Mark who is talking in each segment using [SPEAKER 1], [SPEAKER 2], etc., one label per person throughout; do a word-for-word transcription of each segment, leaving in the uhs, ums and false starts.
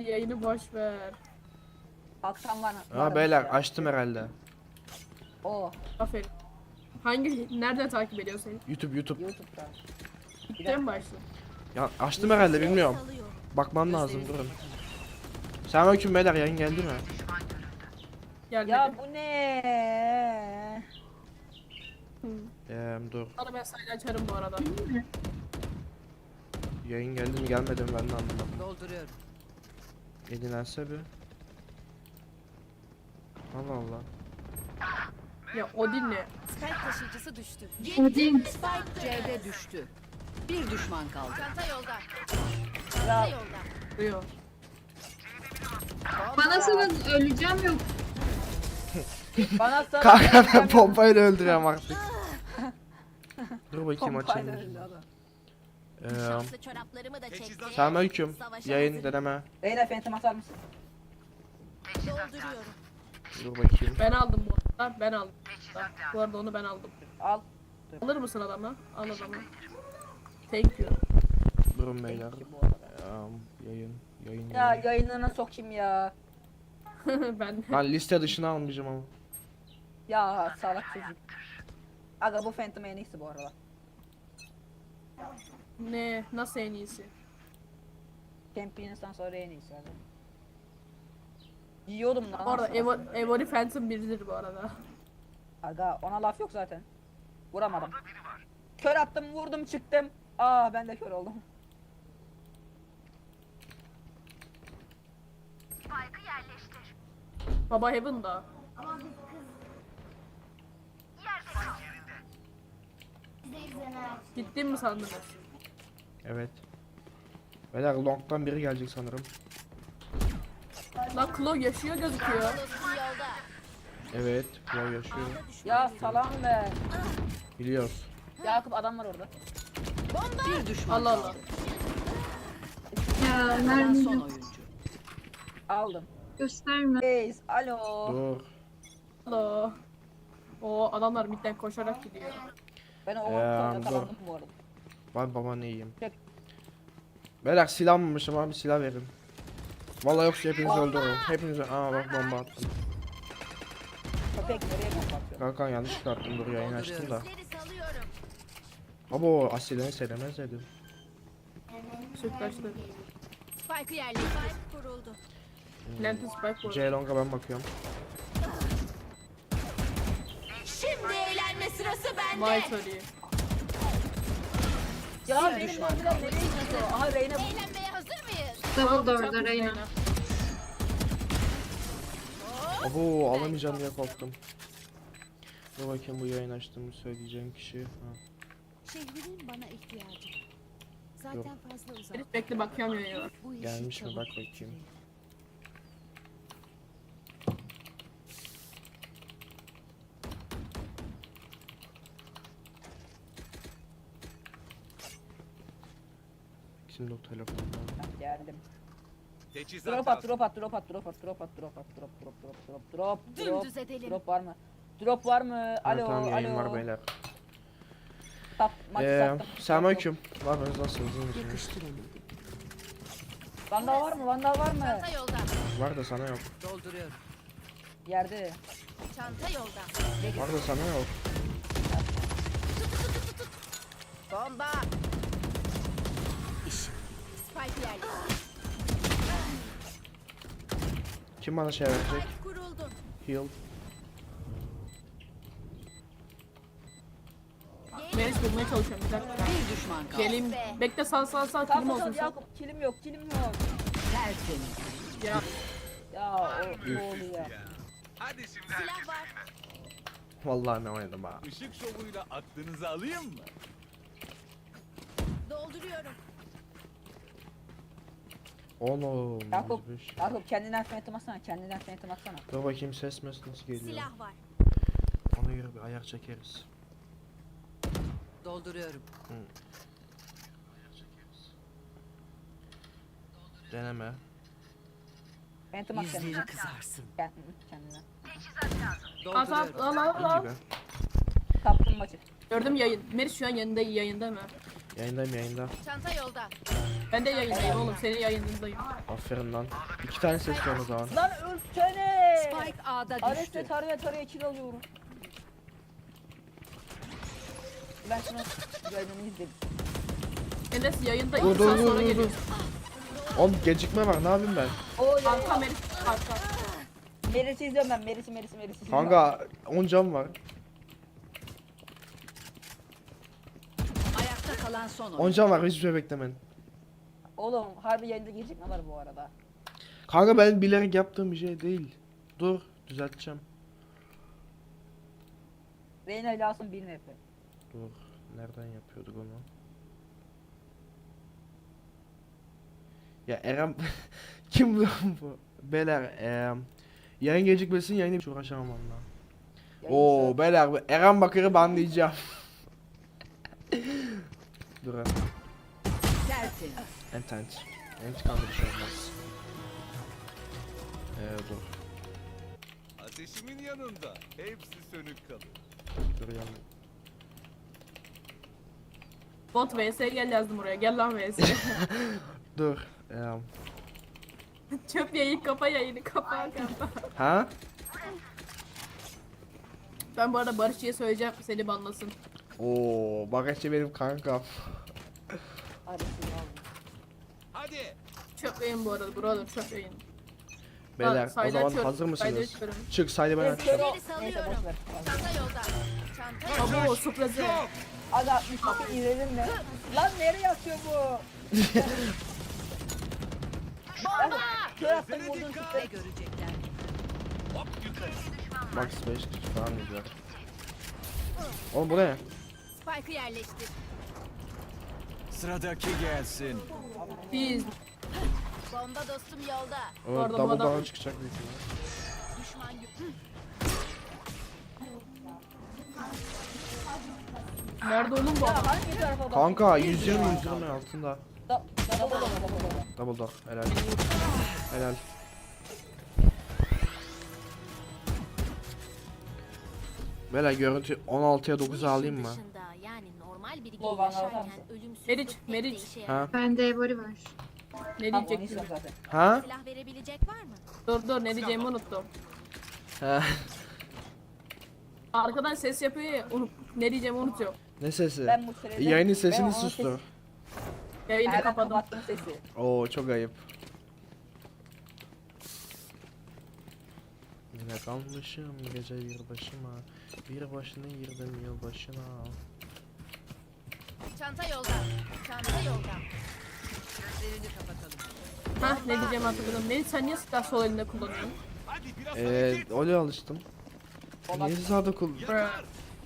[SPEAKER 1] yayını boş ver.
[SPEAKER 2] Kalkan var.
[SPEAKER 3] Ha beyler açtım herhalde.
[SPEAKER 2] O
[SPEAKER 1] Aferin. Hangi, nereden takip ediyor seni?
[SPEAKER 3] YouTube YouTube.
[SPEAKER 2] YouTube'da.
[SPEAKER 1] Gitten mi başladın?
[SPEAKER 3] Ya açtım herhalde bilmiyorum. Bakmam lazım durun. Selamünaleyküm beyler, yayın geldi mi?
[SPEAKER 1] Gelmedi.
[SPEAKER 2] Ya bu ne?
[SPEAKER 1] Hı.
[SPEAKER 3] Eee dur.
[SPEAKER 1] Sana ben sayı açarım bu arada.
[SPEAKER 3] Yayın geldi mi gelmedi mi ben de anlamadım.
[SPEAKER 4] Dolduruyorum.
[SPEAKER 3] Yedilense bir. Allah Allah.
[SPEAKER 1] Ya Odin ne?
[SPEAKER 4] Spike taşıyıcısı düştü.
[SPEAKER 5] Odin.
[SPEAKER 4] Spike C'de düştü. Bir düşman kaldı.
[SPEAKER 6] Çanta yolda.
[SPEAKER 2] Ya
[SPEAKER 6] Çanta yolda.
[SPEAKER 1] Duyuyor.
[SPEAKER 5] Bana sorun, öleceğim yok.
[SPEAKER 2] bana sana
[SPEAKER 3] Kanka ben pompayla öldürüyorum artık. Dur bakayım
[SPEAKER 2] Pompayla
[SPEAKER 3] açayım.
[SPEAKER 2] öldü adam.
[SPEAKER 3] Eee
[SPEAKER 6] Şanslı çoraplarımı da çektim.
[SPEAKER 3] Selamünaleyküm.
[SPEAKER 6] Savaşa
[SPEAKER 3] Yayın
[SPEAKER 6] hazırım.
[SPEAKER 3] deneme.
[SPEAKER 2] Reyna Phantom atar mısın?
[SPEAKER 6] Dolduruyorum.
[SPEAKER 3] Dur bakayım.
[SPEAKER 1] Ben aldım bu arada. Ben aldım. Bu arada onu ben aldım.
[SPEAKER 2] Al.
[SPEAKER 1] Alır mısın adamı? Al adamı. Thank you.
[SPEAKER 3] Durun beyler.
[SPEAKER 2] Bu arada.
[SPEAKER 3] Eee, yayın. Yayın.
[SPEAKER 2] Ya
[SPEAKER 3] yayın.
[SPEAKER 2] yayınlarına sokayım ya.
[SPEAKER 1] Ben
[SPEAKER 3] Lan liste dışına almayacağım ama.
[SPEAKER 2] Ya salak çocuk. Aga bu Phantom en iyisi bu arada.
[SPEAKER 1] ne? Nasıl en iyisi?
[SPEAKER 2] Champions'tan sonra en iyisi aga. Yiyordum lan.
[SPEAKER 1] Bu arada
[SPEAKER 2] aslında.
[SPEAKER 1] Evo, Evori Phantom biridir bu arada.
[SPEAKER 2] Aga ona laf yok zaten. Vuramadım. Kör attım, vurdum, çıktım. Aa ben de kör oldum.
[SPEAKER 1] Baba Heaven'da. Gittin mi sandınız?
[SPEAKER 3] Evet. Beyler long'dan biri gelecek sanırım.
[SPEAKER 1] Lan Claw yaşıyor gözüküyor.
[SPEAKER 6] Dostum yolda.
[SPEAKER 3] Evet. Claw yaşıyor.
[SPEAKER 2] Ya salam be.
[SPEAKER 3] Biliyoruz.
[SPEAKER 2] Yakup adam var orada.
[SPEAKER 4] Bir düşman
[SPEAKER 1] Allah Allah.
[SPEAKER 4] kaldı.
[SPEAKER 5] Ya
[SPEAKER 4] Kalan
[SPEAKER 5] mermi
[SPEAKER 4] son
[SPEAKER 5] yok.
[SPEAKER 4] oyuncu.
[SPEAKER 2] Aldım.
[SPEAKER 5] Gösterme.
[SPEAKER 2] Reis, alo.
[SPEAKER 3] Dur.
[SPEAKER 1] Hello. O adamlar midden koşarak gidiyor.
[SPEAKER 2] Ben o
[SPEAKER 3] Ee,
[SPEAKER 2] ortada
[SPEAKER 3] dur.
[SPEAKER 2] kazandım bu arada.
[SPEAKER 3] Ben baban iyiyim.
[SPEAKER 2] Çek.
[SPEAKER 3] Beyler silah almamışım abi, silah verin. Vallahi yoksa hepinizi öldürürüm. Hepinizi... Aa bak bomba attım.
[SPEAKER 2] Köpek nereye kapatıyor?
[SPEAKER 3] Kanka yanlışlıkla attım, dur yayın açtım da.
[SPEAKER 6] İzleri salıyorum.
[SPEAKER 3] Abo Asile'ni sevmez dedim.
[SPEAKER 1] Sütlaçlı.
[SPEAKER 6] Spike'ı yerleştir. Spike kuruldu.
[SPEAKER 1] Lantern Spike bu arada.
[SPEAKER 3] C long'a ben bakıyorum.
[SPEAKER 6] Şimdi eğlenme sırası bende.
[SPEAKER 1] Vay sorry.
[SPEAKER 2] Ya benim öldüren nereye gidiyor? Aha Reyna bu.
[SPEAKER 6] Eğlenmeye hazır mıyız?
[SPEAKER 5] Double door'da Reyna.
[SPEAKER 3] Abo alamayacağım diye korktum. Dur bakayım bu yayın açtığımı söyleyeceğim kişi. Ha.
[SPEAKER 6] Şehrimin bana ihtiyacı var. Zaten
[SPEAKER 3] Yok.
[SPEAKER 6] fazla uzak.
[SPEAKER 1] Herif bekle bakıyorum ya.
[SPEAKER 6] Bu işi
[SPEAKER 3] Gelmiş mi
[SPEAKER 6] çabuk
[SPEAKER 3] bak
[SPEAKER 6] bitirin.
[SPEAKER 3] bakayım. Şimdi o telefonda.
[SPEAKER 2] Geldim.
[SPEAKER 7] Teçhizat
[SPEAKER 2] Drop at,
[SPEAKER 7] lazım.
[SPEAKER 2] drop at, drop at, drop at, drop at, drop at, drop, drop, drop, drop, drop, drop,
[SPEAKER 6] Dümdüz edelim.
[SPEAKER 2] drop var mı? Drop var mı?
[SPEAKER 3] Ha,
[SPEAKER 2] Alo,
[SPEAKER 3] tamam yayın
[SPEAKER 2] alo.
[SPEAKER 3] var beyler.
[SPEAKER 2] Sat, maçı
[SPEAKER 3] Eee
[SPEAKER 2] sattım.
[SPEAKER 3] selamünaleyküm. Ne yapıyorsunuz, nasılsınız, iyi misiniz?
[SPEAKER 4] Yakıştıramadım.
[SPEAKER 2] Vandal var mı? Vandal var mı?
[SPEAKER 6] Çanta yolda.
[SPEAKER 3] Var da sana yok.
[SPEAKER 4] Dolduruyorum.
[SPEAKER 2] Yerde.
[SPEAKER 6] Çanta yolda.
[SPEAKER 3] Var da sana yok.
[SPEAKER 6] Bomba. Spike'ı yerleştir.
[SPEAKER 3] Kim bana şey verecek?
[SPEAKER 6] Spike kuruldu.
[SPEAKER 3] Heal.
[SPEAKER 1] Meris bulmaya çalışıyorum bir dakika.
[SPEAKER 4] Bir düşman kaldı.
[SPEAKER 1] Geleyim. Bekle sal sal sal
[SPEAKER 2] Sal
[SPEAKER 1] kilim
[SPEAKER 2] sal
[SPEAKER 1] olsun
[SPEAKER 2] sal
[SPEAKER 1] sen.
[SPEAKER 2] Yakup, kilim yok, kilim yok.
[SPEAKER 4] Tertemiz.
[SPEAKER 1] Ya
[SPEAKER 2] Ya o ne oluyor ya?
[SPEAKER 7] Hadi şimdi
[SPEAKER 6] Silah
[SPEAKER 7] herkes
[SPEAKER 6] var.
[SPEAKER 3] Vallahi ne oynadım ha.
[SPEAKER 7] ışık şovuyla aklınızı alayım mı?
[SPEAKER 6] Dolduruyorum.
[SPEAKER 3] Oğlum.
[SPEAKER 2] Yakup,
[SPEAKER 3] yüz beş.
[SPEAKER 2] Yakup kendinden phantom atsana, kendinden phantom atsana.
[SPEAKER 3] Dur bakayım ses mes nasıl geliyor.
[SPEAKER 6] Silah var.
[SPEAKER 3] Ona göre bir ayar çekeriz.
[SPEAKER 4] Dolduruyorum.
[SPEAKER 3] Ayar çekeriz. Deneme.
[SPEAKER 2] Phantom at
[SPEAKER 4] Yüzleri
[SPEAKER 2] kendinden.
[SPEAKER 4] kızarsın.
[SPEAKER 2] Kend- Kendinden.
[SPEAKER 1] at at
[SPEAKER 4] Dolduruyorum.
[SPEAKER 1] al al
[SPEAKER 3] İyi
[SPEAKER 1] al.
[SPEAKER 3] gibi.
[SPEAKER 2] Kaptım maçı.
[SPEAKER 1] Gördüm yayın. Meriç şu an yanında yayında mı?
[SPEAKER 3] Yayındayım yayında.
[SPEAKER 6] Çanta yolda.
[SPEAKER 1] Ben de yayındayım oğlum. Senin yayınındayım.
[SPEAKER 3] Aferin lan. İki tane ses var o zaman.
[SPEAKER 2] Lan ölsene.
[SPEAKER 4] Spike A'da
[SPEAKER 2] Ares'le
[SPEAKER 4] düştü.
[SPEAKER 2] taraya taraya kill alıyorum. Ben şunu yayınını izledim.
[SPEAKER 1] Enes yayında
[SPEAKER 3] Dur
[SPEAKER 1] iki
[SPEAKER 3] dur
[SPEAKER 1] saat
[SPEAKER 3] dur
[SPEAKER 1] sonra
[SPEAKER 3] dur dur.
[SPEAKER 1] geliyor.
[SPEAKER 3] Oğlum gecikme var ne yapayım ben?
[SPEAKER 2] O
[SPEAKER 1] Arka
[SPEAKER 2] yayın.
[SPEAKER 1] Meriç. Arka.
[SPEAKER 2] Meris'i izliyorum ben. Meris'i Meris'i Meris'i izliyorum.
[SPEAKER 3] Kanka on can var.
[SPEAKER 4] Ayakta kalan son
[SPEAKER 3] on
[SPEAKER 4] oyuncu.
[SPEAKER 3] can var hiçbir şey beklemeyin.
[SPEAKER 2] Oğlum harbi yayında gelecek ne var bu arada?
[SPEAKER 3] Kanka ben bilerek yaptığım bir şey değil. Dur düzelteceğim.
[SPEAKER 2] Reyna ile Asım bir F.
[SPEAKER 3] Dur nereden yapıyorduk onu? Ya Eren kim bu? bu? Beyler eee yayın gecikmesin yayını hiç uğraşamam onunla. Oo beyler bu Eren Bakır'ı banlayacağım. Dur ha.
[SPEAKER 4] Tertemiz.
[SPEAKER 3] Entent. İntikamda bir şey olmaz. Eee dur.
[SPEAKER 7] Ateşimin yanında hepsi sönük kalır.
[SPEAKER 3] Dur yanım.
[SPEAKER 1] Bot V S gel yazdım oraya. Gel lan V S.
[SPEAKER 3] Dur. Eee
[SPEAKER 1] Çöp yayın kapa yayını kapa kapa.
[SPEAKER 3] ha?
[SPEAKER 1] Ben bu arada Barışçı'ya söyleyeceğim seni banlasın.
[SPEAKER 3] Oo Bakırçı benim kankam.
[SPEAKER 2] Hadi siz alın.
[SPEAKER 7] Hadi.
[SPEAKER 1] Çöp yayın bu arada brother çöp yayın.
[SPEAKER 3] Beyler o
[SPEAKER 1] sayda
[SPEAKER 3] zaman
[SPEAKER 1] açıyorum,
[SPEAKER 3] hazır
[SPEAKER 1] sayda
[SPEAKER 3] mısınız?
[SPEAKER 1] açıyorum.
[SPEAKER 3] Çık saydı ben
[SPEAKER 2] Kör
[SPEAKER 3] açacağım.
[SPEAKER 2] o-
[SPEAKER 6] Geri
[SPEAKER 2] Neyse
[SPEAKER 6] salıyorum.
[SPEAKER 2] boş ver.
[SPEAKER 6] Çanta yolda. Çanta
[SPEAKER 1] Abo sürprizi.
[SPEAKER 2] Aga altmış iki izledin mi? Lan nereye atıyor bu? Bomba! Kör attım vurdun
[SPEAKER 4] Ne
[SPEAKER 2] çıktı.
[SPEAKER 4] görecekler?
[SPEAKER 7] Hop yukarı.
[SPEAKER 3] Max beş kişi falan gidiyor. Oğlum bu ne?
[SPEAKER 6] Spike'ı yerleştir.
[SPEAKER 7] Sıradaki gelsin.
[SPEAKER 1] Biz
[SPEAKER 6] Bomba dostum yolda.
[SPEAKER 3] O
[SPEAKER 1] Bu arada bu
[SPEAKER 3] double
[SPEAKER 1] adam-
[SPEAKER 3] down çıkacak büyük ihtimalle.
[SPEAKER 6] Düşman yük.
[SPEAKER 1] nerede oğlum bu
[SPEAKER 2] Ya
[SPEAKER 1] adam?
[SPEAKER 2] hangi tarafa bak?
[SPEAKER 3] Kanka yüz yirmi yüz yirmi altında.
[SPEAKER 2] Da- Double double double double.
[SPEAKER 3] Double down helal. Helal. Beyler görüntü on altıya dokuza alayım mı?
[SPEAKER 6] Dışında, yani normal biri
[SPEAKER 2] Bu
[SPEAKER 6] gibi
[SPEAKER 2] bana
[SPEAKER 6] yaşarken
[SPEAKER 2] atar mısın?
[SPEAKER 6] ölümsüzlük
[SPEAKER 1] Meriç,
[SPEAKER 6] pek de
[SPEAKER 1] Meriç.
[SPEAKER 6] işe yaramaz.
[SPEAKER 3] Ha?
[SPEAKER 5] Bende Ebori var.
[SPEAKER 1] Ne
[SPEAKER 2] Tamam onu
[SPEAKER 1] diyecektim?
[SPEAKER 2] istiyorum zaten.
[SPEAKER 3] Ha?
[SPEAKER 6] Silah verebilecek var mı?
[SPEAKER 1] Dur dur ne diyeceğimi unuttum.
[SPEAKER 3] Ha.
[SPEAKER 1] Arkadan ses yapıyor ya unut, ne diyeceğimi unutuyorum.
[SPEAKER 3] Ne sesi?
[SPEAKER 2] Ben bu sürede...
[SPEAKER 3] Yayının
[SPEAKER 2] Ben
[SPEAKER 3] sesini
[SPEAKER 2] onun
[SPEAKER 3] sustur.
[SPEAKER 2] sesi-
[SPEAKER 1] Yayını
[SPEAKER 2] Ben
[SPEAKER 1] kapadım.
[SPEAKER 2] kapattım sesi.
[SPEAKER 3] Oo çok ayıp. Yine kalmışım gece bir başıma. Bir başına girdim yıl başına.
[SPEAKER 6] Çanta yolda. Çanta yolda.
[SPEAKER 4] Gözlerini kapatalım.
[SPEAKER 1] Hah ne diyeceğimi hatırladım. Meriç sen niye silah sol elinde kullanıyorsun?
[SPEAKER 7] Hadi biraz
[SPEAKER 3] Eee
[SPEAKER 7] hareket.
[SPEAKER 3] öyle alıştım. Niye sağda kul?
[SPEAKER 7] Yakar.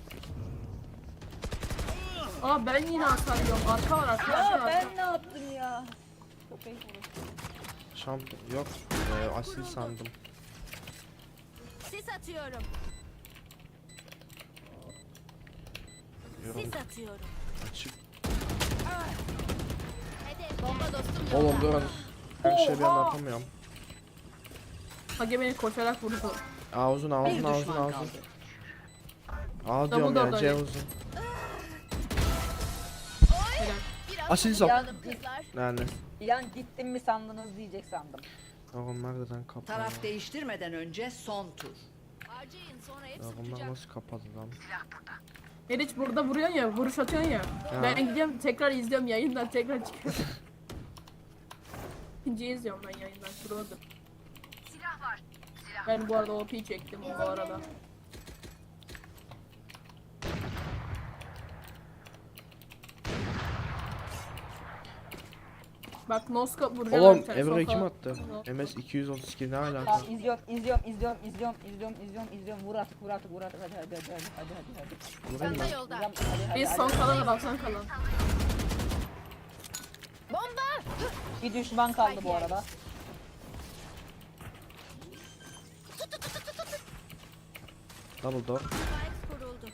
[SPEAKER 1] Aa ben yine hasar yiyorum. Arka var arka
[SPEAKER 2] Ya
[SPEAKER 1] arka arka.
[SPEAKER 2] ben ne yaptım ya? Çok ayıp oldu.
[SPEAKER 3] Şampiyon yok. Eee asil sandım.
[SPEAKER 6] Sis atıyorum.
[SPEAKER 3] Yorum
[SPEAKER 6] Sis atıyorum.
[SPEAKER 3] açık.
[SPEAKER 6] Hedef bomba dostum yolda.
[SPEAKER 3] Oğlum durun. Her şeyi bir anda atamıyorum.
[SPEAKER 1] Hage beni koşarak vurdu.
[SPEAKER 3] Ağzın
[SPEAKER 4] Bir
[SPEAKER 3] ağzın ağzın
[SPEAKER 4] düşman
[SPEAKER 3] ağzın.
[SPEAKER 4] kaldı.
[SPEAKER 3] Aa diyorum
[SPEAKER 1] Double
[SPEAKER 3] ya C
[SPEAKER 1] double.
[SPEAKER 3] uzun.
[SPEAKER 1] Helal.
[SPEAKER 6] Biraz
[SPEAKER 3] Asil sap.
[SPEAKER 6] yandım kızlar.
[SPEAKER 3] Yani.
[SPEAKER 2] İlan gittim mi sandınız diyecek sandım.
[SPEAKER 3] Oğlum nereden kapalı?
[SPEAKER 4] Taraf değiştirmeden önce son tur.
[SPEAKER 6] Harcayın sonra hepsi
[SPEAKER 3] Ya bunlar
[SPEAKER 6] tutacak.
[SPEAKER 3] nasıl kapalı lan?
[SPEAKER 1] Meriç burada vuruyorsun ya, vuruş atıyorsun ya. Ben gidiyorum tekrar izliyorum yayından tekrar çıkıyorum. İkinciyi izliyorum ben yayından. Şuradadır. Ben bu arada O P çektim bu arada. Bak Noska vuracağım.
[SPEAKER 3] Oğlum
[SPEAKER 1] bir tane,
[SPEAKER 3] Evro'yu
[SPEAKER 1] soka.
[SPEAKER 3] kim attı? M S iki yüz otuz iki ne alaka?
[SPEAKER 2] Tamam izliyorum izliyorum izliyorum izliyorum izliyorum izliyorum izliyorum vur artık vur artık vur artık hadi hadi hadi hadi hadi hadi hadi.
[SPEAKER 3] Vurayım
[SPEAKER 6] Çanta
[SPEAKER 3] mı?
[SPEAKER 6] yolda.
[SPEAKER 2] Hadi, hadi, hadi,
[SPEAKER 1] Biz
[SPEAKER 2] hadi.
[SPEAKER 1] son kalan adam son kalan.
[SPEAKER 6] Bomba!
[SPEAKER 2] Bir düşman kaldı bu arada.
[SPEAKER 3] Double door.
[SPEAKER 6] Spike kuruldu.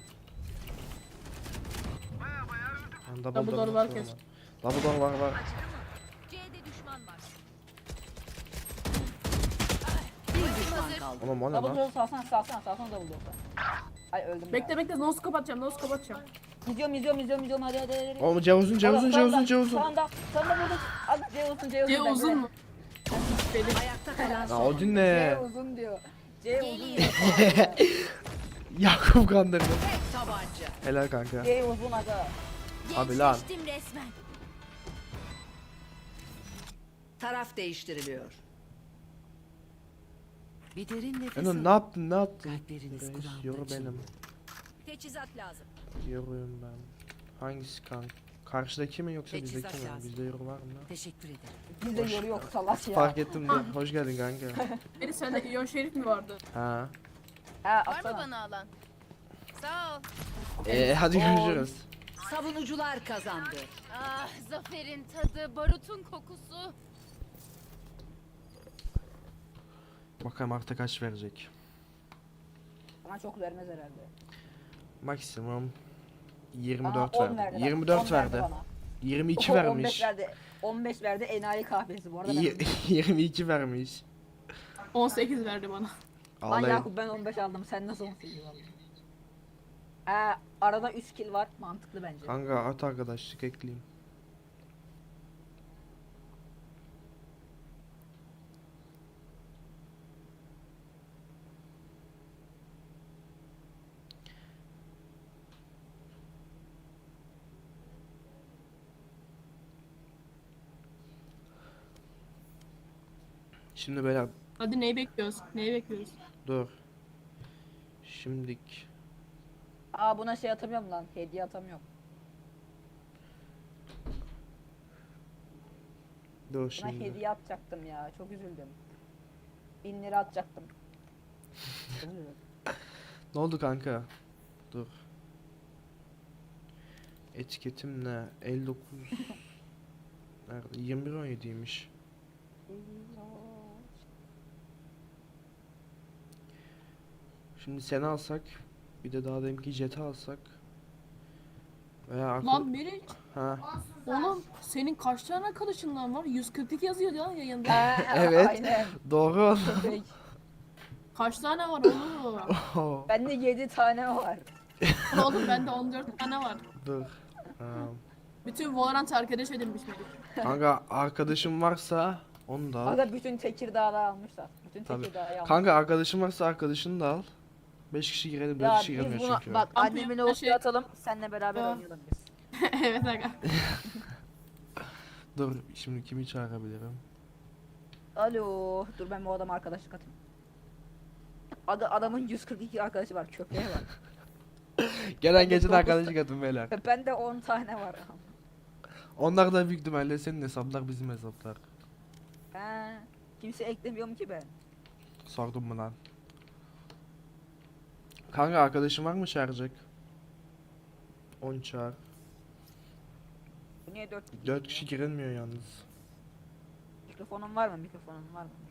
[SPEAKER 3] Yani double,
[SPEAKER 1] Double door
[SPEAKER 3] nasıl
[SPEAKER 1] var
[SPEAKER 3] olur?
[SPEAKER 1] kesin.
[SPEAKER 3] Double door var var.
[SPEAKER 6] C'de düşman var.
[SPEAKER 4] Bir düşman kaldı.
[SPEAKER 3] Oğlum o ne
[SPEAKER 2] Double
[SPEAKER 3] lan?
[SPEAKER 2] door salsana salsana salsana double door. Ay öldüm
[SPEAKER 1] Bekle
[SPEAKER 2] ya.
[SPEAKER 1] bekle noskop atacağım noskop atacağım.
[SPEAKER 2] İzliyorum izliyorum izliyorum izliyorum hadi hadi hadi.
[SPEAKER 3] Oğlum C uzun C uzun C uzun C uzun.
[SPEAKER 2] Sağında sağında burada. Hadi C uzun C uzun.
[SPEAKER 1] C uzun mu? Benim.
[SPEAKER 4] Ayakta kalan
[SPEAKER 3] Ya
[SPEAKER 4] son.
[SPEAKER 3] Odin ne?
[SPEAKER 2] C uzun diyor. C uzun
[SPEAKER 6] Geliyor.
[SPEAKER 2] diyor.
[SPEAKER 3] Yakup kandırdı.
[SPEAKER 4] Tek tabanca.
[SPEAKER 3] Helal kanka.
[SPEAKER 2] C uzun aga.
[SPEAKER 3] Abi lan.
[SPEAKER 6] Gençleştim resmen.
[SPEAKER 4] Taraf değiştiriliyor. Bir derin nefes
[SPEAKER 3] Eno
[SPEAKER 4] alın.
[SPEAKER 3] ne yaptın ne yaptın?
[SPEAKER 4] Kalpleriniz
[SPEAKER 3] Reis,
[SPEAKER 4] kulağımda
[SPEAKER 3] yoru benim.
[SPEAKER 4] çınlıyor.
[SPEAKER 6] Teçhizat lazım.
[SPEAKER 3] Yoruyum ben. Hangisi kanka? Karşıdaki mi yoksa
[SPEAKER 4] Teçhizat
[SPEAKER 3] bizdeki mi?
[SPEAKER 4] lazım.
[SPEAKER 3] Bizde yoru var mı?
[SPEAKER 4] Teşekkür ederim.
[SPEAKER 2] Bizde yoru yok salak ya.
[SPEAKER 3] Fark ettim de. Hoş geldin kanka.
[SPEAKER 1] Beni sende İyon Şerif mi vardı?
[SPEAKER 3] Ha.
[SPEAKER 2] Ha
[SPEAKER 6] Var mı
[SPEAKER 2] atsana.
[SPEAKER 6] bana alan? Sağ ol.
[SPEAKER 3] Ee, hadi görüşürüz.
[SPEAKER 4] Savunucular kazandı.
[SPEAKER 6] Ah, zaferin tadı, barutun kokusu.
[SPEAKER 3] Bakalım artık kaç verecek.
[SPEAKER 2] Bana çok vermez herhalde.
[SPEAKER 3] Maksimum
[SPEAKER 2] Bana
[SPEAKER 3] yirmi dört
[SPEAKER 2] on
[SPEAKER 3] verdi.
[SPEAKER 2] verdi bak,
[SPEAKER 3] yirmi dört
[SPEAKER 2] on
[SPEAKER 3] verdi.
[SPEAKER 2] bana.
[SPEAKER 3] yirmi iki
[SPEAKER 2] on beş
[SPEAKER 3] vermiş.
[SPEAKER 2] verdi. on beş verdi enayi kahvesi bu arada.
[SPEAKER 3] Y-
[SPEAKER 2] Ben...
[SPEAKER 3] yirmi iki vermiş.
[SPEAKER 1] on sekiz verdi bana.
[SPEAKER 2] Lan
[SPEAKER 3] Ağlayın.
[SPEAKER 2] Yakup ben on beş aldım sen nasıl on sekiz aldın? Ha, arada üç kill var mantıklı bence.
[SPEAKER 3] Kanka at arkadaşlık ekleyeyim. Şimdi beyler
[SPEAKER 1] Hadi neyi bekliyoruz? Neyi bekliyoruz?
[SPEAKER 3] dur. Şimdik.
[SPEAKER 2] Aa buna şey atamıyorum lan hediye atamıyorum.
[SPEAKER 3] Dur
[SPEAKER 2] Buna
[SPEAKER 3] şimdi.
[SPEAKER 2] hediye atacaktım ya çok üzüldüm. Bin lira atacaktım. Çok üzüldüm.
[SPEAKER 3] Ne oldu kanka? Dur. Etiketim ne? elli dokuz. Nerede? yirmi bir on yediymiş. Şimdi seni alsak, bir de daha deminki Jet'i alsak. Veya arka-
[SPEAKER 1] Lan Meriç.
[SPEAKER 3] ha.
[SPEAKER 1] Oğlum senin kaç tane arkadaşından var? yüz kırk iki yazıyor ya yayında.
[SPEAKER 2] Ha,
[SPEAKER 3] Evet.
[SPEAKER 2] Aynen.
[SPEAKER 3] Doğru.
[SPEAKER 2] Köpek.
[SPEAKER 1] Kaç tane var oğlum?
[SPEAKER 3] Oh,
[SPEAKER 2] Bende yedi tane var.
[SPEAKER 1] Oğlum bende on dört tane var.
[SPEAKER 3] dur. Ha.
[SPEAKER 1] Bütün Valorant arkadaş edilmiş Meriç.
[SPEAKER 3] Kanka arkadaşım varsa onu da al.
[SPEAKER 2] Aga bütün Tekirdağ'da almışlar. Bütün
[SPEAKER 3] Tabii.
[SPEAKER 2] Tekirdağ'ı almışlar.
[SPEAKER 3] Kanka arkadaşım varsa arkadaşını da al. beş kişi girelim, dört
[SPEAKER 2] Ya
[SPEAKER 3] kişi
[SPEAKER 2] biz
[SPEAKER 3] giremiyor
[SPEAKER 2] buna
[SPEAKER 3] çünkü.
[SPEAKER 2] bak
[SPEAKER 1] Kamp
[SPEAKER 2] annemin
[SPEAKER 1] yapma
[SPEAKER 2] olsun
[SPEAKER 1] şey-
[SPEAKER 2] atalım seninle beraber
[SPEAKER 1] Ya.
[SPEAKER 2] oynayalım biz.
[SPEAKER 1] Evet aga.
[SPEAKER 3] Dur şimdi kimi çağırabilirim?
[SPEAKER 2] Alo dur ben bu adama arkadaşlık atayım. Adı adamın yüz kırk iki arkadaşı var köpeğe var.
[SPEAKER 3] Gelen geçen
[SPEAKER 2] dokuz
[SPEAKER 3] arkadaşlık atın beyler.
[SPEAKER 2] Bende on tane var.
[SPEAKER 3] Onlar da büyük ihtimalle senin hesaplar bizim hesaplar.
[SPEAKER 2] He, kimse eklemiyorum ki ben.
[SPEAKER 3] Sordum mu lan? Kanka arkadaşım var mı çağıracak? on çağır.
[SPEAKER 2] Bu niye dört?
[SPEAKER 3] dört kişi girilmiyor yalnız.
[SPEAKER 2] Mikrofonun var mı? Mikrofonun var mı?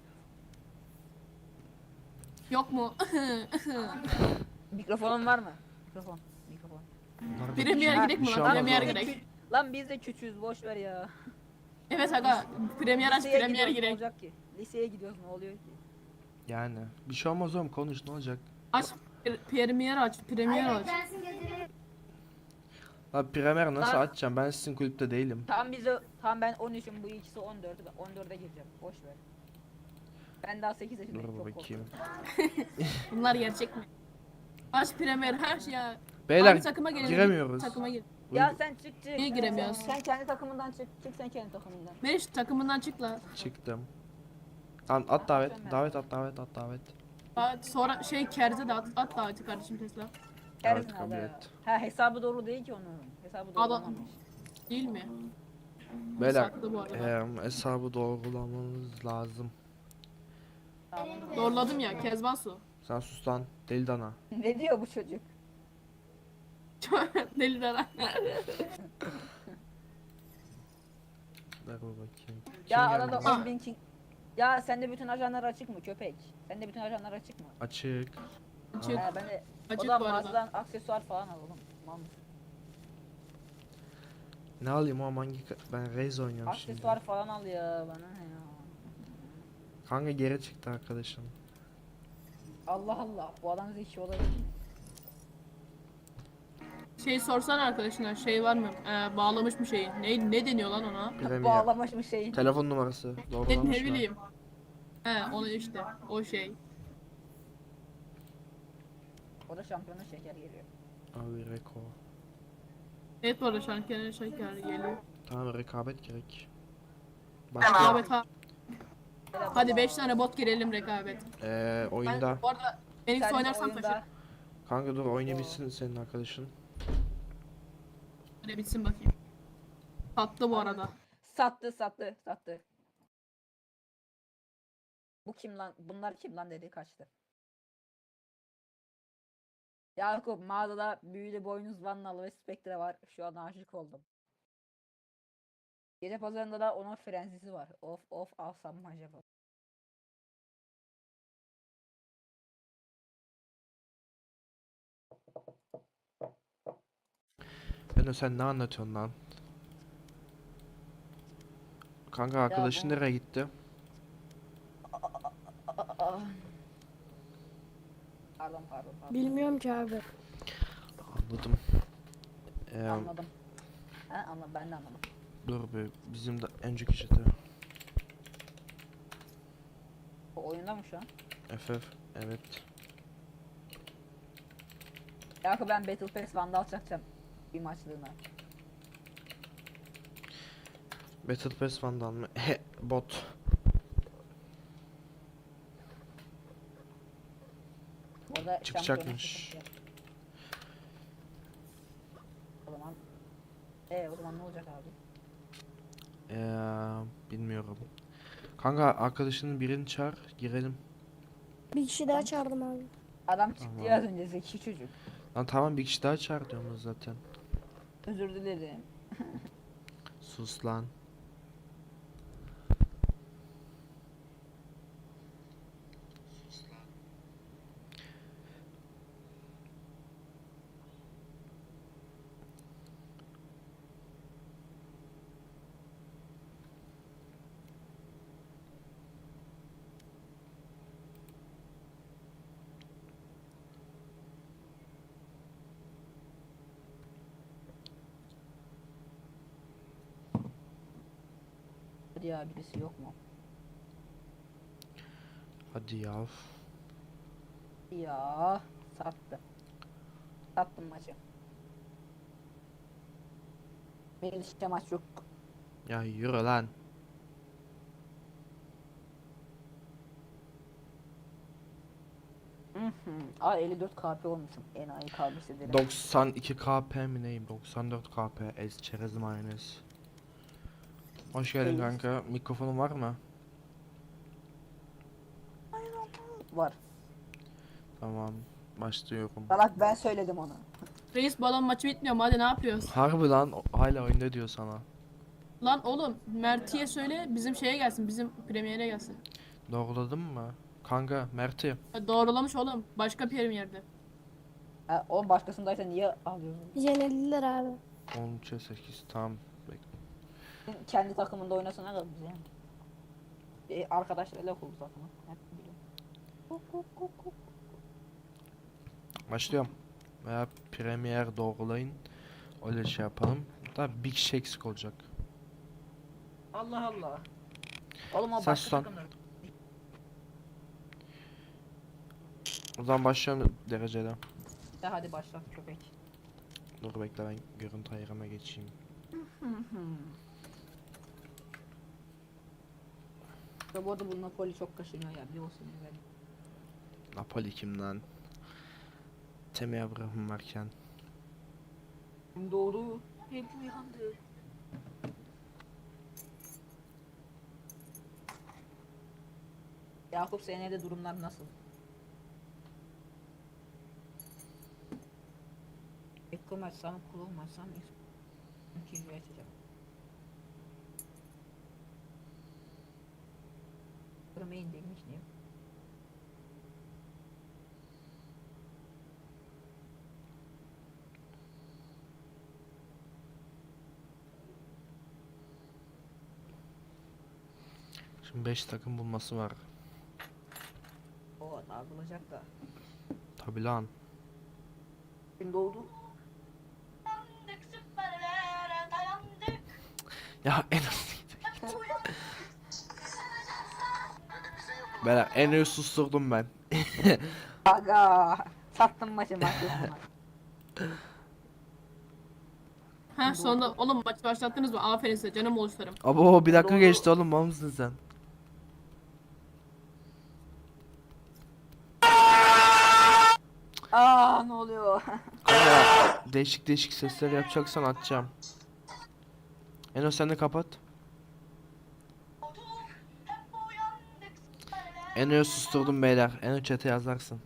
[SPEAKER 1] Yok mu?
[SPEAKER 2] Mikrofonun var mı? Mikrofon. Mikrofon.
[SPEAKER 3] Bunlar da
[SPEAKER 1] Premier
[SPEAKER 3] bir şey-
[SPEAKER 1] girek
[SPEAKER 3] bir
[SPEAKER 1] mi
[SPEAKER 3] şey
[SPEAKER 1] lan?
[SPEAKER 3] olmaz
[SPEAKER 1] Premier
[SPEAKER 3] oğlum.
[SPEAKER 1] girek.
[SPEAKER 2] Lan biz de küçüğüz boş ver ya.
[SPEAKER 1] Evet aga. Premier aç,
[SPEAKER 2] Liseye
[SPEAKER 1] Premier
[SPEAKER 2] gidiyoruz, ne
[SPEAKER 1] girek.
[SPEAKER 2] olacak ki? Liseye gidiyoruz ne oluyor ki?
[SPEAKER 3] Yani bir şey olmaz oğlum, konuş, ne olacak?
[SPEAKER 1] Aç. Pre- Premier aç, Premier aç.
[SPEAKER 3] Abi Premier nasıl
[SPEAKER 2] Lan-
[SPEAKER 3] açacağım? Ben sizin kulüpte değilim.
[SPEAKER 2] Tam bize tam ben on üçüm bu ikisi on dört. Ben on dörde gireceğim. Boş ver. Ben daha sekiz yaşındayım.
[SPEAKER 3] Dur
[SPEAKER 2] çok
[SPEAKER 3] bakayım.
[SPEAKER 2] korkuyorum.
[SPEAKER 1] Bunlar gerçek mi? Aç Premier her şey ya.
[SPEAKER 3] Beyler
[SPEAKER 1] Hangi takıma girelim?
[SPEAKER 3] giremiyoruz.
[SPEAKER 1] Takıma gir.
[SPEAKER 2] Ya sen çık çık.
[SPEAKER 1] Niye giremiyoruz?
[SPEAKER 2] Sen, sen kendi takımından çık. Çık sen kendi takımından.
[SPEAKER 1] Meriç takımından çık la.
[SPEAKER 3] Çıktım. Lan at davet,
[SPEAKER 2] Tamam.
[SPEAKER 3] davet at davet at davet.
[SPEAKER 1] Aa, Sonra şey Kerze de at, at daveti kardeşim Tesla.
[SPEAKER 3] Evet,
[SPEAKER 2] Kersin
[SPEAKER 3] kabul
[SPEAKER 2] abi.
[SPEAKER 3] et.
[SPEAKER 2] Ha hesabı doğru değil ki onun. Hesabı doğru
[SPEAKER 1] Adam-
[SPEAKER 2] olmamış.
[SPEAKER 1] Değil mi?
[SPEAKER 3] Beyler
[SPEAKER 1] Saklı bu arada.
[SPEAKER 3] eee, hesabı doğrulamamız lazım.
[SPEAKER 1] Doğruladım ya Kezban Su.
[SPEAKER 3] Sen sus lan deli dana.
[SPEAKER 2] Ne diyor bu çocuk?
[SPEAKER 1] Deli dana.
[SPEAKER 3] Ver bir bakayım.
[SPEAKER 2] Ya
[SPEAKER 3] Kim
[SPEAKER 2] arada
[SPEAKER 3] geldi?
[SPEAKER 2] on bin king. Ya sende bütün ajanlar açık mı köpek? Sende bütün ajanlar açık mı?
[SPEAKER 3] Açık.
[SPEAKER 1] Açık.
[SPEAKER 2] Ha, ben de o
[SPEAKER 1] Açık
[SPEAKER 2] da
[SPEAKER 1] bu arada.
[SPEAKER 2] mağazadan aksesuar falan alalım. Mal mısın?
[SPEAKER 3] Ne alayım oğlum, hangi ka- ben Raze oynuyorum şimdi.
[SPEAKER 2] Aksesuar falan al ya bana ne ya.
[SPEAKER 3] Kanka geri çıktı arkadaşım.
[SPEAKER 2] Allah Allah bu adam zeki olabilir mi?
[SPEAKER 1] şey sorsan arkadaşına şey var mı? Ee, bağlamış mı şeyi? Ne ne deniyor lan ona?
[SPEAKER 3] Premier.
[SPEAKER 2] Bağlamış mı şeyi?
[SPEAKER 3] Telefon numarası.
[SPEAKER 1] Ne,
[SPEAKER 3] Doğrulamış
[SPEAKER 1] ne
[SPEAKER 3] mı?
[SPEAKER 1] bileyim. He onu işte o şey.
[SPEAKER 2] O da şampiyonun şeker geliyor.
[SPEAKER 3] Abi reko.
[SPEAKER 1] Evet bu arada şarkının şeker geliyor.
[SPEAKER 3] Tamam rekabet gerek. Başka
[SPEAKER 1] Rekabet ha. Hadi beş tane bot girelim rekabet.
[SPEAKER 3] eee
[SPEAKER 1] Ben
[SPEAKER 3] oyunda.
[SPEAKER 1] bu arada Phoenix
[SPEAKER 2] Sen
[SPEAKER 1] oynarsam
[SPEAKER 2] oyunda-
[SPEAKER 1] taşı.
[SPEAKER 3] Kanka dur oynayabilsin senin arkadaşın.
[SPEAKER 1] Hadi bitsin bakayım. Tatlı bu arada.
[SPEAKER 2] Sattı sattı sattı. Bu kim lan? Bunlar kim lan dedi kaçtı. Yakup mağazada büyülü boynuz Vannalı ve Spectre var. Şu an aşık oldum. Gece pazarında da onun frenzisi var. Of of alsam mı acaba?
[SPEAKER 3] Beno sen ne anlatıyorsun lan? Kanka arkadaşın
[SPEAKER 2] bu-
[SPEAKER 3] nereye gitti?
[SPEAKER 2] Aa. Pardon pardon pardon.
[SPEAKER 6] Bilmiyorum ki abi.
[SPEAKER 3] Anladım. Eee
[SPEAKER 2] Anladım. Ha anladım ben de anladım.
[SPEAKER 3] dur be bizim de önceki çete.
[SPEAKER 2] O oyunda mı şu an?
[SPEAKER 3] F F evet.
[SPEAKER 2] Yakup ben Battle Pass Vandal çakacağım. Bir maçlığına.
[SPEAKER 3] Battle Pass Vandal mı? He bot.
[SPEAKER 2] Orada
[SPEAKER 3] Çıkacakmış.
[SPEAKER 2] şampiyona çıkacak. O zaman e o zaman ne olacak abi?
[SPEAKER 3] Eee bilmiyorum. Kanka arkadaşının birini çağır girelim.
[SPEAKER 6] Bir kişi daha çağırdım abi.
[SPEAKER 2] Adam çıktı
[SPEAKER 3] Tamam.
[SPEAKER 2] ya az önce zeki çocuk.
[SPEAKER 3] Lan tamam bir kişi daha çağır diyorum zaten.
[SPEAKER 2] Özür dilerim.
[SPEAKER 3] Sus lan.
[SPEAKER 2] Hadi ya birisi yok mu?
[SPEAKER 3] Hadi yav.
[SPEAKER 2] Ya sattı. Sattım maçı. Benim işte maç yok.
[SPEAKER 3] Ya yürü lan.
[SPEAKER 2] Hı hı. Aa elli dört K P olmuşum. Enayi kalmış ederim.
[SPEAKER 3] doksan iki K P mi neyim? doksan dört K P. Ez çerez mayonez. Hoş geldin
[SPEAKER 2] Değil.
[SPEAKER 3] kanka. Mikrofonun var mı?
[SPEAKER 2] Var.
[SPEAKER 3] Tamam. Başlıyorum.
[SPEAKER 2] Salak ben söyledim onu.
[SPEAKER 1] Reis balon maçı bitmiyor mu? Hadi ne yapıyoruz?
[SPEAKER 3] Harbi lan o- hala oyunda diyor sana.
[SPEAKER 1] Lan oğlum Mert'iye söyle bizim şeye gelsin. Bizim premiere gelsin.
[SPEAKER 3] Doğruladın mı? Kanka Mert'i.
[SPEAKER 1] Ha, doğrulamış oğlum. Başka premierde.
[SPEAKER 2] Ha, o başkasındaysa niye alıyorsun?
[SPEAKER 6] Yenildiler abi.
[SPEAKER 3] on üçe sekiz tamam. Bek-
[SPEAKER 2] Kendi takımında oynasana da bize. E, arkadaşlarıyla kurdu takımı. Hep biliyorum.
[SPEAKER 3] Başlıyorum. Veya Premier doğrulayın. Öyle şey yapalım. Da bir kişi eksik olacak.
[SPEAKER 2] Allah Allah. Oğlum o
[SPEAKER 3] Sen
[SPEAKER 2] başka
[SPEAKER 3] sus lan.
[SPEAKER 2] takımda.
[SPEAKER 3] O zaman başlıyorum derecede.
[SPEAKER 2] Ya hadi başla köpek.
[SPEAKER 3] Dur bekle ben görüntü ayarıma geçeyim.
[SPEAKER 2] Ya bu arada bu Napoli çok kaşınıyor ya bir olsun güzel.
[SPEAKER 3] Napoli kim lan? Temi Abraham varken.
[SPEAKER 2] Hem doğru hem uyandı. Yakup senin evde durumlar nasıl? Ekkom açsam, kulağım açsam ikinci açacağım. Kırmayın demiş neyim?
[SPEAKER 3] Şimdi beş takım bulması var.
[SPEAKER 2] O dağılacak da.
[SPEAKER 3] Tabi lan.
[SPEAKER 2] Şimdi oldu.
[SPEAKER 3] Ya en Beyler en iyi susturdum ben.
[SPEAKER 2] Aga. Sattım maçı maçı.
[SPEAKER 1] Ha sonunda oğlum maç başlattınız mı? Aferin size canım oluşlarım.
[SPEAKER 3] Abo bir dakika
[SPEAKER 2] Doğru.
[SPEAKER 3] geçti oğlum, mal mısın sen?
[SPEAKER 2] Aa ne oluyor?
[SPEAKER 3] Kanka değişik değişik sesler yapacaksan atacağım. Eno sen de kapat. Eno'yu susturdum beyler. Eno chat'e yazarsın.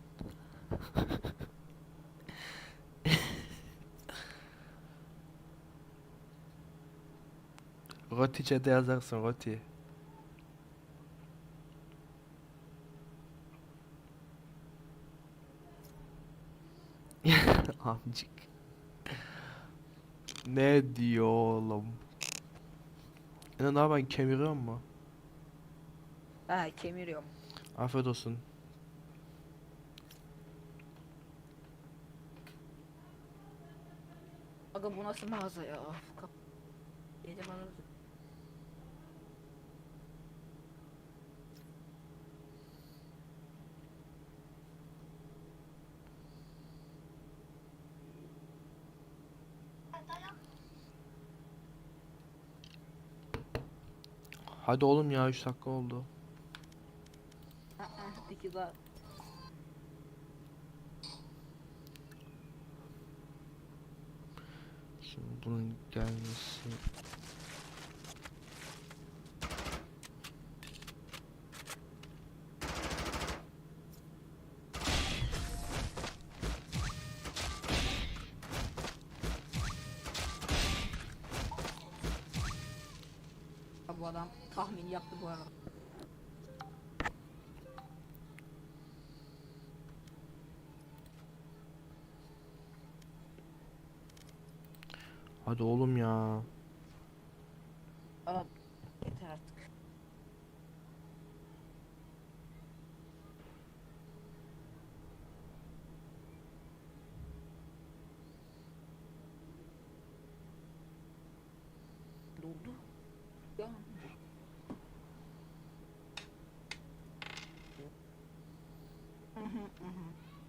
[SPEAKER 3] Roti chat'e yazarsın Roti. Amcık. Ne diyor oğlum? Eno ne yapayım, kemiriyor mu?
[SPEAKER 2] Ha kemiriyorum.
[SPEAKER 3] Afiyet olsun.
[SPEAKER 2] Aga bu nasıl mağaza ya? Kap- Gece bana
[SPEAKER 3] Hadi oğlum ya, üç dakika oldu.
[SPEAKER 2] iki daha.
[SPEAKER 3] Şimdi bunun gelmesi.
[SPEAKER 2] Ha, bu adam tahmin yaptı bu arada.
[SPEAKER 3] Hadi oğlum ya.
[SPEAKER 2] Aa, yeter artık. Doldu. Ya. Hı hı hı hı.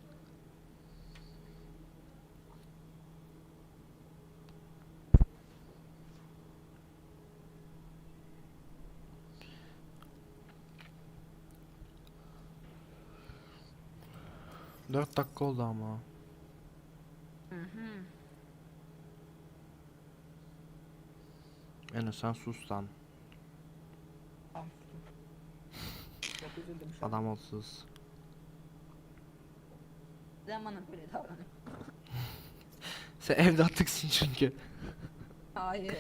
[SPEAKER 3] Dört dakika oldu ama.
[SPEAKER 2] Hı hı.
[SPEAKER 3] Eno sen sus lan.
[SPEAKER 2] Tamam. Çok üzüldüm şu an.
[SPEAKER 3] Adam ol sus.
[SPEAKER 2] Neden bana böyle davranıyor?
[SPEAKER 3] Sen evlatlıksın çünkü.
[SPEAKER 2] Hayır.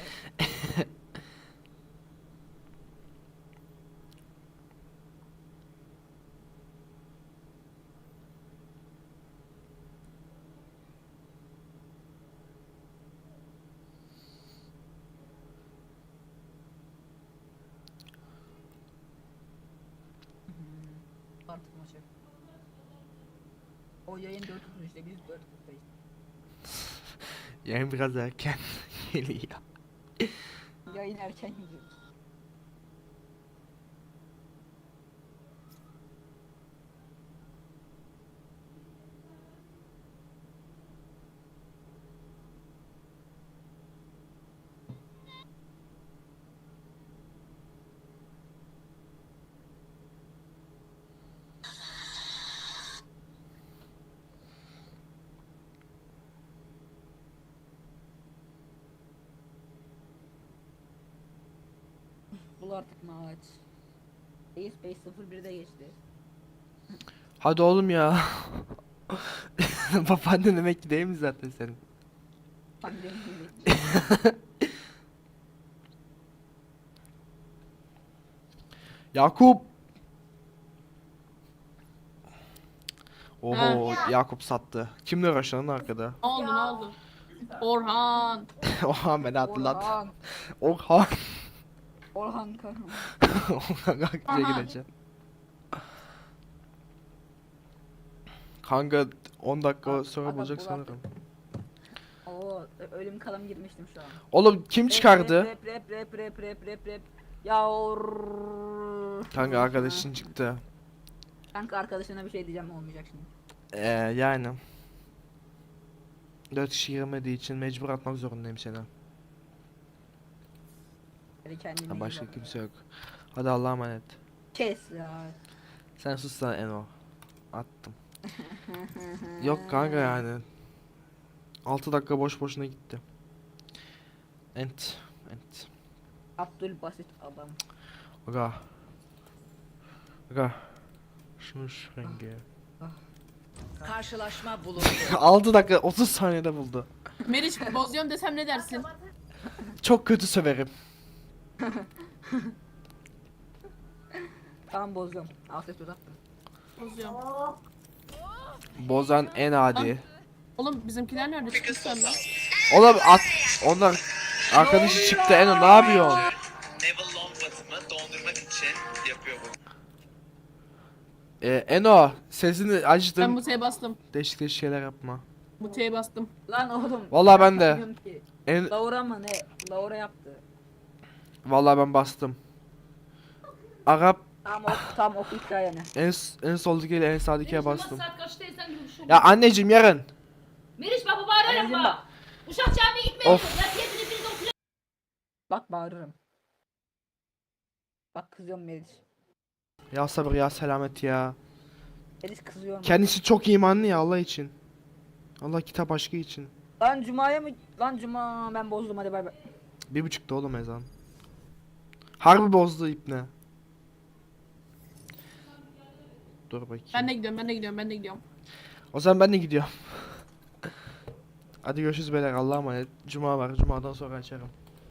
[SPEAKER 2] Artık maçı. O yayın dört otuz işte biz dört otuzdayız.
[SPEAKER 3] Yani biraz erken geliyor.
[SPEAKER 2] Yayın erken gidiyor. Bul artık maç. Ace beş sıfır birde geçti.
[SPEAKER 3] Hadi oğlum ya. Babaannen emekli değil mi zaten senin?
[SPEAKER 2] Pandemi
[SPEAKER 3] Yakup. Oho Yakup sattı. Kimle uğraşan arkada?
[SPEAKER 1] Ne oldu ne oldu? Orhan.
[SPEAKER 3] Oha beni hatırlat.
[SPEAKER 2] Orhan.
[SPEAKER 3] Orhan.
[SPEAKER 2] Orhan Kahraman.
[SPEAKER 3] Orhan aklıca
[SPEAKER 1] Aha.
[SPEAKER 3] gideceğim. Kanka on dakika
[SPEAKER 2] Aga,
[SPEAKER 3] sonra
[SPEAKER 2] aga,
[SPEAKER 3] bulacak
[SPEAKER 2] bul
[SPEAKER 3] sanırım.
[SPEAKER 2] Oo ölüm kalım girmiştim şu an.
[SPEAKER 3] Oğlum kim çıkardı?
[SPEAKER 2] Rap rap rap rap rap rap rap. Ya or-
[SPEAKER 3] Kanka arkadaşın çıktı.
[SPEAKER 2] Kanka arkadaşına bir şey diyeceğim olmayacak şimdi.
[SPEAKER 3] Ee, yani. Dört kişi girmediği için mecbur atmak zorundayım seni.
[SPEAKER 2] Hadi kendine
[SPEAKER 3] Ha,
[SPEAKER 2] iyi
[SPEAKER 3] başka
[SPEAKER 2] bak.
[SPEAKER 3] kimse yok. Hadi Allah'a emanet.
[SPEAKER 2] Kes ya.
[SPEAKER 3] Sen sus lan Eno. Attım. Yok kanka yani. altı dakika boş boşuna gitti. Ent. Ent.
[SPEAKER 2] Abdülbasit adam.
[SPEAKER 3] Aga. Aga. Şunu şu rengi.
[SPEAKER 4] Karşılaşma bulundu.
[SPEAKER 3] altı dakika otuz saniyede buldu.
[SPEAKER 1] Meriç bozuyorum desem ne dersin?
[SPEAKER 3] Çok kötü söverim.
[SPEAKER 2] Tamam bozuyorum. Afiyet olsun.
[SPEAKER 1] Bozuyorum.
[SPEAKER 3] Bozan en adi.
[SPEAKER 1] Oğlum bizimkiler nerede çıkmışlar lan?
[SPEAKER 3] Oğlum at. Onlar arkadaşı çıktı Eno ne yapıyorsun?
[SPEAKER 8] Neville Longbottom'ı dondurmak için yapıyor bu.
[SPEAKER 3] Ee, Eno sesini
[SPEAKER 1] Ben
[SPEAKER 3] açtım.
[SPEAKER 1] muteye bastım.
[SPEAKER 3] Değişik değişik şeyler yapma.
[SPEAKER 1] Muteye bastım.
[SPEAKER 2] Lan oğlum.
[SPEAKER 3] Vallahi ben de.
[SPEAKER 2] Bilmiyorum ki.
[SPEAKER 3] En
[SPEAKER 2] Laura mı ne? Laura yaptı.
[SPEAKER 3] vallahi ben bastım. Arap
[SPEAKER 2] Tam ok, tam oku hikayeni.
[SPEAKER 3] en en soldaki ile en sağdakiye bastım.
[SPEAKER 9] Saat kaçta insan gibi bir şey
[SPEAKER 3] Ya
[SPEAKER 9] olmaz.
[SPEAKER 3] anneciğim yarın.
[SPEAKER 9] Meriç baba bağırırım
[SPEAKER 2] Anneciğim
[SPEAKER 9] bak. Uşak camiye gitmeye
[SPEAKER 3] Of.
[SPEAKER 9] Ya teyzeniz biriniz oturuyor.
[SPEAKER 2] Bak bağırırım. Bak kızıyorum Melis.
[SPEAKER 3] Ya sabır ya selamet ya.
[SPEAKER 2] Melis kızıyorum.
[SPEAKER 3] Kendisi çok imanlı ya Allah için. Allah kitap aşkı için.
[SPEAKER 2] Lan Cuma'ya mı? Lan Cuma ben bozdum hadi bay bay.
[SPEAKER 3] Bir buçukta oğlum ezan. Harbi bozdu ipne. Dur bakayım.
[SPEAKER 1] Ben de gidiyorum, ben de gidiyorum, ben de gidiyorum.
[SPEAKER 3] O zaman ben de gidiyorum. Hadi görüşürüz beyler Allah'a emanet. Cuma var. Cuma'dan sonra açarım.